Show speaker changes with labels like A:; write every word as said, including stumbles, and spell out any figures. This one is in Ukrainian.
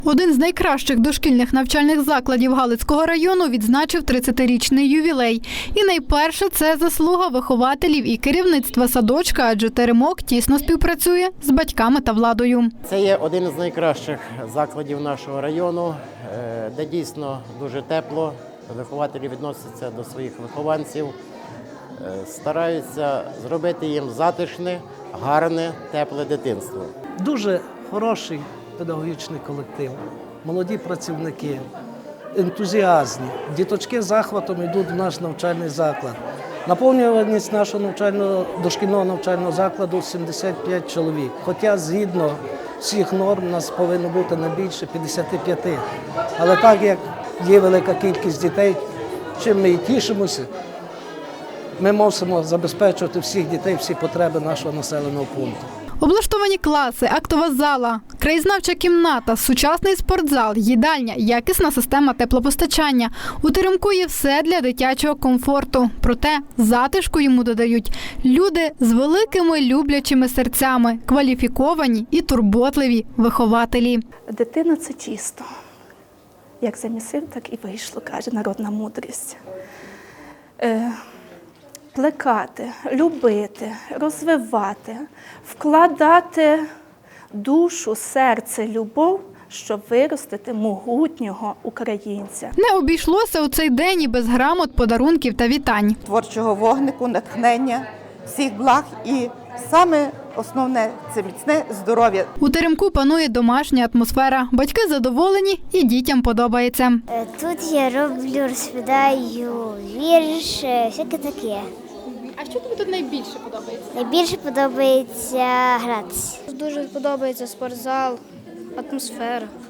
A: Один з найкращих дошкільних навчальних закладів Галицького району відзначив тридцятирічний ювілей. І найперше це заслуга вихователів і керівництва садочка, адже теремок тісно співпрацює з батьками та владою.
B: Це є один з найкращих закладів нашого району, де дійсно дуже тепло. Вихователі відносяться до своїх вихованців, стараються зробити їм затишне, гарне, тепле дитинство.
C: Дуже хороший педагогічний колектив, молоді працівники, ентузіазні. Діточки з захватом йдуть в наш навчальний заклад. Наповнюваність нашого навчального, дошкільного навчального закладу сімдесят п'ять чоловік. Хоча згідно всіх норм у нас повинно бути не більше п'ятдесят п'ять. Але так як є велика кількість дітей, чим ми і тішимося, ми мусимо забезпечувати всіх дітей, всі потреби нашого населеного пункту.
A: Облаштовані класи, актова зала, краєзнавча кімната, сучасний спортзал, їдальня, якісна система теплопостачання. У теремку є все для дитячого комфорту. Проте затишку йому додають люди з великими люблячими серцями, кваліфіковані і турботливі вихователі.
D: Дитина – це чисто. Як замісив, так і вийшло, каже народна мудрість. Е, плекати, любити, розвивати, вкладати душу, серце, любов, щоб виростити могутнього українця.
A: Не обійшлося у цей день і без грамот, подарунків та вітань.
E: Творчого вогнику, натхнення, всіх благ і саме основне – це міцне здоров'я.
A: У теремку панує домашня атмосфера. Батьки задоволені і дітям подобається.
F: Тут я роблю, розповідаю вірш, всяке таке.
A: А що тобі тут найбільше подобається?
F: Найбільше подобається гратися.
G: Дуже подобається спортзал, атмосфера.